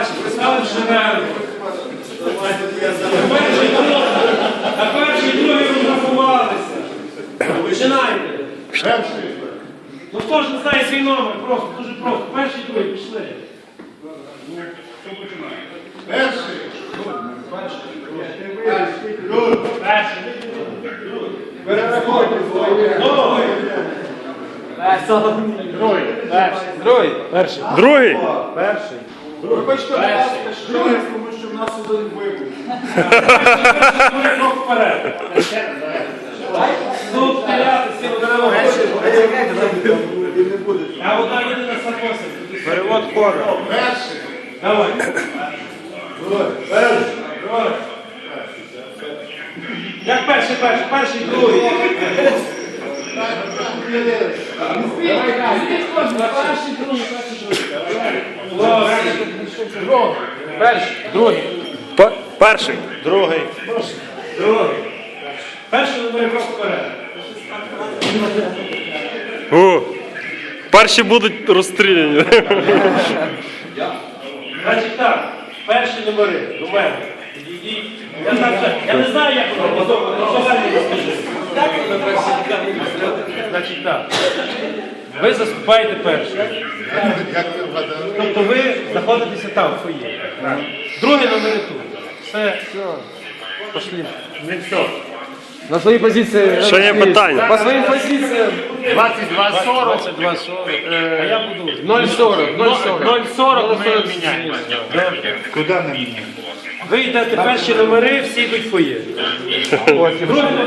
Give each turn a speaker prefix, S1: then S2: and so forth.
S1: Бачите, стали в шерегу. На перший і другий розрахувалися. Починайте. Ну хто ж не знає свій номер? Просто, дуже просто. Перший і другий, пішли.
S2: Хто починає?
S3: Перший. Перерахуйте свої.
S1: Другий.
S4: Другий.
S3: Вибачте, будь ласка, другий, тому що в нас один вибух.
S1: Крок вперед. Ну, стріляти, всі однаково. А одна єдина сапося.
S4: Перевод хора.
S3: Перший.
S1: Давай.
S3: Перший.
S1: Як перший, другий. Перший, другий. Перший, другий.
S4: Перший. Другий.
S1: Другий. Перший номер крок вперед.
S4: Перші будуть розстріляні.
S1: Значить так, перші номери до мене. Підійдіть. Я не знаю, як воно, значить так. Ви заступаєте першим. Тобто ви знаходитеся там, в фоє. Другі номери тут. Все. Пошли. Не все.
S5: На свои позиции.
S4: Ще є питання.
S5: По своим позициям
S1: 22:40. А я буду.
S5: 0,40.
S1: 0,40 ми міняємо.
S3: Куди не міняємо?
S1: Ви йдете перші номери, всі йдуть в фоє. Другі